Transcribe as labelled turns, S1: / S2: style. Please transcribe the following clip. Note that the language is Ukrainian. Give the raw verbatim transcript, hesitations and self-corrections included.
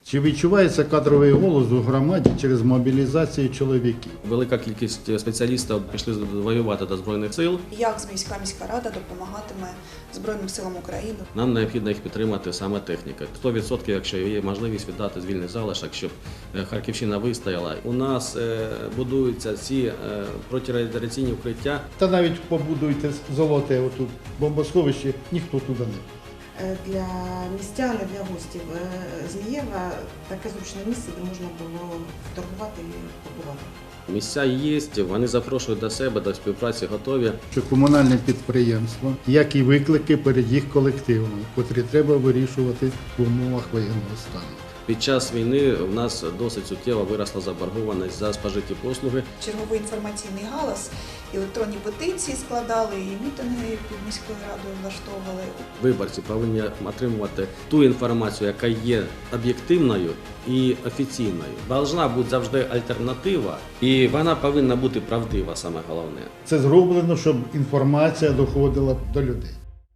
S1: Чи відчувається кадровий голос у громаді через мобілізацію чоловіків?
S2: Велика кількість спеціалістів пішли воювати до Збройних сил.
S3: Як міська міська рада допомагатиме Збройним силам України?
S2: Нам необхідно їх підтримати саме техніка. сто відсотків, якщо є можливість віддати звільний залишок, щоб Харківщина вистояла. У нас будуються ці протирадіаційні укриття.
S1: Та навіть побудуйте золоте отут бомбосховище, ніхто туди не.
S4: Для містян, і для гостів Змієва таке зручне місце, де можна було торгувати і побувати.
S2: Місця є, вони запрошують до себе, до співпраці готові.
S1: Що комунальне підприємство, як і виклики перед їх колективами, котрі треба вирішувати в умовах воєнного стану.
S2: Під час війни в нас досить суттєво виросла заборгованість за спожиті послуги.
S3: Черговий інформаційний галас, електронні петиції складали, і мітинги під міською радою влаштовували.
S2: Виборці повинні отримувати ту інформацію, яка є об'єктивною і офіційною. Должна бути завжди альтернатива, і вона повинна бути правдива, саме головне.
S1: Це зроблено, щоб інформація доходила до людей.